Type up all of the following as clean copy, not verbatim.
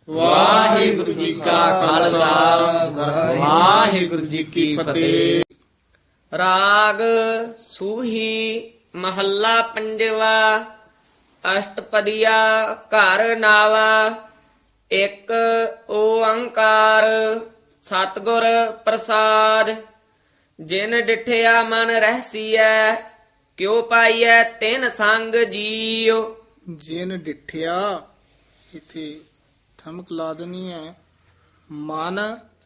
ਵਾਹਿਗੁਰੂ ਜੀ ਕਾ ਖਾਲਸਾ ਵਾਹਿਗੁਰੂ ਜੀ ਕੀ ਫਤਿਹ। ਰਾਗ ਸੂਹੀ ਮਹੱਲਾ ਪੰਜਵਾ। ਅਸ਼ਟਪਦੀਆ ਘਰ ਨਾਵਾ। ਇੱਕ ਓੰਕਾਰ ਸਤਿਗੁਰ ਪ੍ਰਸਾਦ। ਜਿਨ ਡਿਠਿਆ ਮਨ ਰਹਿਸੀਐ ਕਿਉ ਪਾਈਐ ਤਿਨ ਸੰਗ ਜੀਉ। ਜਿਨ ਡਿਠਿਆ ਇਥੇ ਠਮਕ ਲਾ ਦੇਣੀ ਹੈ। ਮਨ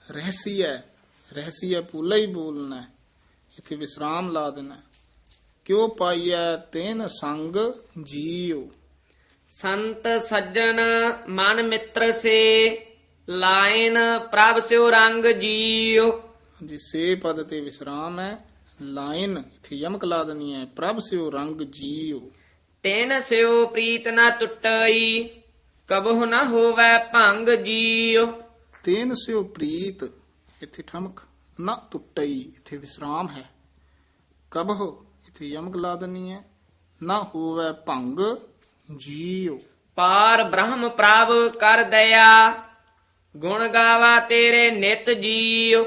ਰਹਿਸੀਐ ਪੂਲਾ ਹੀ ਬੋਲਣਾ ਹੈ। ਇਥੇ ਵਿਸਰਾਮ ਲਾ ਦੇਣਾ। ਕਿਉ ਪਾਈਐ ਤੈਨ ਸੰਗ ਜੀਉ। ਸੰਤ ਸੱਜਣ ਮਨ ਮਿੱਤਰ ਸੇ ਲਾਇਨ ਪ੍ਰਭ ਸਿਉ ਰੰਗ ਜੀਉ। ਜੀ ਸੇ ਪਦ ਤੇ ਵਿਸਰਾਮ ਹੈ। ਲਾਇਨ ਇਥੇ ਯਮਕ ਲਾ ਦੇਣੀ ਹੈ। ਪ੍ਰਭ ਸਿਉ ਰੰਗ ਜੀਉ। ਤਿਨ ਸਿਉ ਪ੍ਰੀਤ ਨ ਟੁੱਟਈ ਕਬਹੁ ਨ ਹੋਵੈ ਭੰਗ ਜੀਉ। ਤੈਨ ਸਿਉ ਪ੍ਰੀਤ ਇਥੇ ਠਮਕ ਨਾ ਟੁੱਟਈ ਇਥੇ ਵਿਸਰਾਮ ਹੈ। ਕਬਹੁ ਇਥੇ ਯਮਕ ਲਾ ਦੇਣੀ ਹੈ। ਨਾ ਹੋਵੈ ਭੰਗ ਜੀਉ। ਪਾਰ ਬ੍ਰਹਮ ਪ੍ਰਭ ਕਰ ਦਇਆ ਗੁਣ ਗਾਵਾ ਤੇਰੇ ਨਿਤ ਜੀਉ।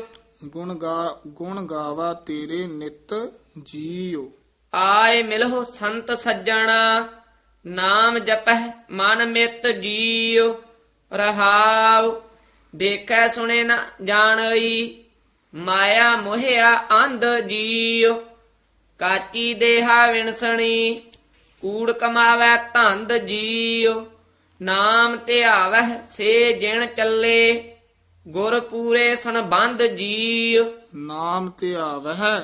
ਗੁਣ ਗਾਵਾ ਤੇਰੇ ਨਿਤ ਜੀਉ। ਆਏ ਮਿਲਹੁ ਸੰਤ ਸੱਜਣਾ ਨਾਮ ਜਪਹਿ ਮਨ ਮਿਤ ਜੀਉ। ਰਹਾਉ ਦੇਖੈ ਸੁਣੇ ਨ ਜਾਣਈ ਮਾਇਆ ਮੋਹਿਆ ਅੰਧ ਜੀਉ। ਕਾਚੀ ਦੇਹਾ ਵਿਣਸਣੀ ਕੂੜ ਕਮਾਵੈ ਧੰਦ ਜੀਉ। ਨਾਮ ਧਿਆਵਹਿ ਸੇ ਜਿਣ ਚੱਲੇ ਗੁਰ ਪੂਰੇ ਸੰਬੰਧ ਜੀਉ। ਨਾਮ ਧਿਆਵਹਿ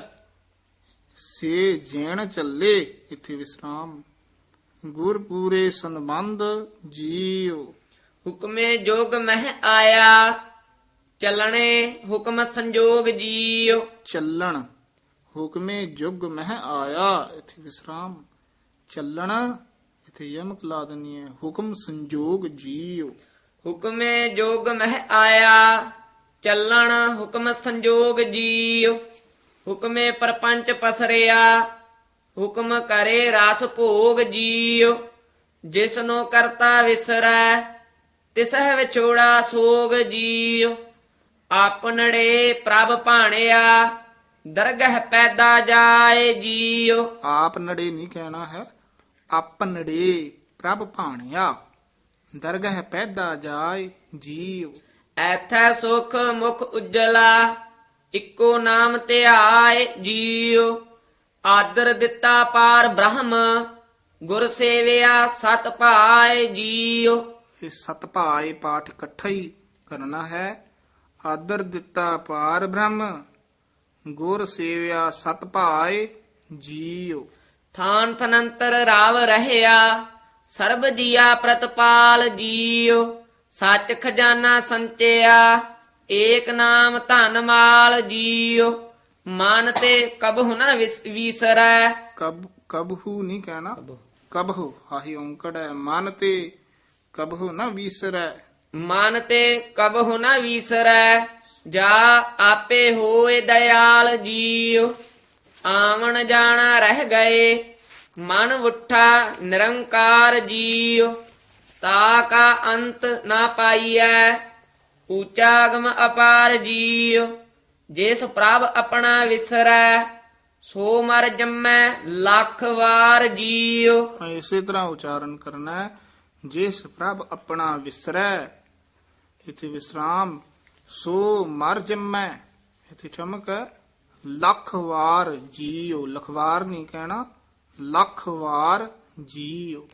ਸੇ ਜੈਣ ਚੱਲੇ ਇਥੇ ਵਿਸਰਾਮ। ਗੁਰ ਪੂਰੇ ਸੰਬੰਧ ਜੀਉ। ਹੁਕਮੇ ਜੋਗ ਮਹਿ ਆਇਆ ਚੱਲਣੇ ਹੁਕਮ ਸੰਜੋਗ ਜੀਉ। ਚੱਲਣ ਹੁਕਮੇ ਜੁਗ ਮਹਿ ਆਇਆ ਇਥੇ ਵਿਸਰਾਮ। ਚੱਲਣ ਇਥੇ ਯਮਕ ਲਾ ਦੇਣੀ ਹੈ। ਹੁਕਮ ਸੰਜੋਗ ਜੀਉ। ਹੁਕਮੇ ਜੋਗ ਮਹਿ ਆਇਆ ਚੱਲਣ ਹੁਕਮ ਸੰਜੋਗ ਜੀਉ। ਹੁਕਮੇ ਪਰਪੰਚ ਪਸਰਿਆ ਹੁਕਮ ਕਰੇ ਰਸ ਭੋਗ ਜੀਉ। ਜਿਸਨੋ ਕਰਤਾ ਵਿਸਰੈ ਤਿਸਹਿ ਵਿਛੋੜਾ ਸੋਗ ਜੀਉ। ਆਪਨੜੇ ਪ੍ਰਭ ਭਾਣਿਆ ਦਰਗਹ ਪੈਦਾ ਜਾਏ ਜੀਉ। ਆਪ ਨੜੇ ਨਹੀਂ ਕਹਿਣਾ ਹੈ। ਆਪਨੜੇ ਪ੍ਰਭ ਭਾਣਿਆ ਦਰਗਹ ਪੈਦਾ ਜਾਏ ਜੀਉ। ਐਥੈ ਸੁਖ ਮੁਖ ਉਜਲਾ ਇੱਕੋ ਨਾਮ ਧਿਆਏ ਜੀਉ। ਆਦਰ ਦਿੱਤਾ ਪਾਰ ਬ੍ਰਹਮ ਗੁਰ ਸੇਵਿਆ ਸਤ ਭਾਏ ਜੀਉ। ਇਹ ਸਤ ਭਾਏ ਪਾਠ ਇਕੱਠਾ ਹੀ ਕਰਨਾ ਹੈ। ਆਦਰ ਦਿੱਤਾ ਪਾਰ ਬ੍ਰਹਮ ਗੁਰ ਸੇਵਿਆ ਸਤ ਭਾਏ ਜੀਉ। ਥਾਨ ਥਨੰਤਰ ਰਾਵ ਰਹਿਆ ਸਰਬ ਜੀਆ ਪ੍ਰਤਪਾਲ ਜੀਉ। ਸੱਚ ਖਜ਼ਾਨਾ ਸੰਚਿਆ ਏਕ ਨਾਮ ਧਨ ਮਾਲ ਜੀਉ। ਮਨ ਤੇ ਕਬਹੁ ਨ ਵਿਸਰੈ। ਕਬਹੂ ਨਹੀਂ ਕਹਿਣਾ। ਕਬਹੂ ਹਾਹੀ ਔਂਕੜ ਹੈ। ਮਨ ਤੇ ਕਬਹੂ ਨ ਵਿਸਰੈ। ਮਨ ਤੇ ਕਬਹੁ ਨ ਵਿਸਰੈ ਜਾ ਆਪੇ ਹੋਏ ਦਇਆਲ ਜੀਉ। ਆਵਣ ਜਾਣਾ ਰਹਿ ਗਏ ਮਨ ਉੱਠਾ ਨਿਰੰਕਾਰ ਜੀਉ। ਤਾ ਕਾ ਅੰਤ ਨਾ ਪਾਈਐ ਊਚਾਗਮ ਅਪਾਰ ਜੀਉ। ਜਿਸ ਪ੍ਰਭ ਆਪਣਾ ਵਿਸਰੈ ਸੋ ਮਰ ਜੰਮੈ ਲੱਖ ਵਾਰ ਜੀਉ। ਇਸੇ ਤਰ੍ਹਾਂ ਉਚਾਰਨ ਕਰਨਾ ਹੈ। ਜਿਸ ਪ੍ਰਭ ਆਪਣਾ ਵਿਸਰੈ ਇਥੇ ਵਿਸਰਾਮ। ਸੋ ਮਰ ਜੰਮੈ ਇਥੇ ਠਮਕ ਹੈ। ਲੱਖ ਵਾਰ ਜੀਉ। ਲਖਵਾਰ ਨਹੀਂ ਕਹਿਣਾ। ਲੱਖ ਵਾਰ ਜੀਉ।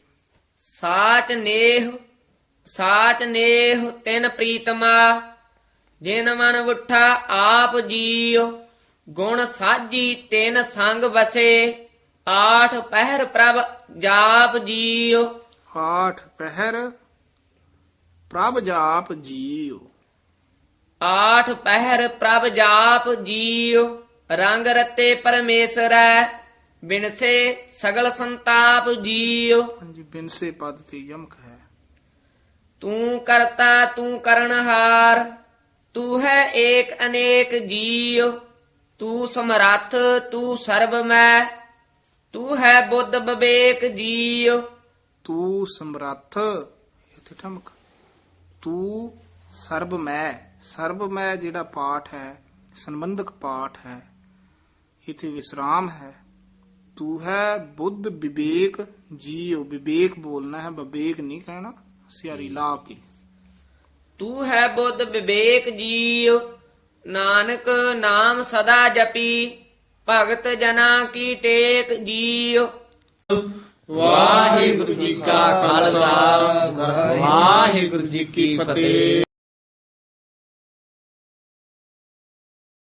ਸਾਚ ਨੇਹ ਤਿਨ ਪ੍ਰੀਤਮਾ ਜਿਨ ਮਨ ਉੱਠਾ ਆਪ ਜੀਉ। ਗੁਣ ਸਾਜੀ ਤਿਨ ਸੰਗ ਵਸੇ ਆਠ ਪਹਿਰ ਪ੍ਰਭ ਜਾਪ ਜੀਉ। ਆਠ ਪਹਿਰ ਪ੍ਰਭ ਜਾਪ ਜੀਉ। ਆਠ ਪਹਿਰ ਪ੍ਰਭ ਜਾਪ ਜੀਉ। ਰੰਗ ਰਤੇ ਪਰਮੇਸ਼ਰੈ ਬਿਨਸੇ ਸਗਲ ਸੰਤਾਪ ਜੀਉ। ਹਾਂਜੀ ਬਿਨਸੇ ਪਦ ਤੇ ਯਮਕ ਹੈ। ਤੂੰ ਕਰਤਾ ਤੂੰ ਕਰਨਹਾਰ ਤੂੰ ਹੈ ਏਕ ਅਨੇਕ ਜੀਉ। ਤੂੰ ਸਮਰੱਥ ਤੂੰ ਸਰਬਮੈ ਤੂੰ ਹੈ ਬੁੱਧ ਵਿਵੇਕ ਜੀਉ। ਤੂੰ ਸਮਰੱਥ ਇਥੇ ਠਮਕ ਤੂੰ ਸਰਬ ਮੈਂ ਜਿਹੜਾ ਪਾਠ ਹੈ ਸੰਬੰਧਕ ਪਾਠ ਹੈ, ਇਥੇ ਵਿਸਰਾਮ ਹੈ। ਤੂੰ ਹੈ ਬੁੱਧ ਵਿਵੇਕ ਜੀਉ, ਵਿਵੇਕ ਬੋਲਣਾ ਹੈ, ਵਿਵੇਕ ਨਹੀਂ ਕਹਿਣਾ, ਸਿਆਰੀ ਲਾ ਕੇ। ਤੂੰ ਹੈ ਬੁੱਧ ਵਿਵੇਕ ਜੀਉ, ਨਾਨਕ ਨਾਮ ਸਦਾ ਜਪੀ, ਭਗਤ ਜਨਾ ਕੀ ਟੇਕ ਜੀਉ। ਵਾਹਿਗੁਰੂ ਜੀ ਕਾ ਖਾਲਸਾ ਵਾਹਿਗੁਰੂ ਜੀ ਕੀ ਫਤਿਹ।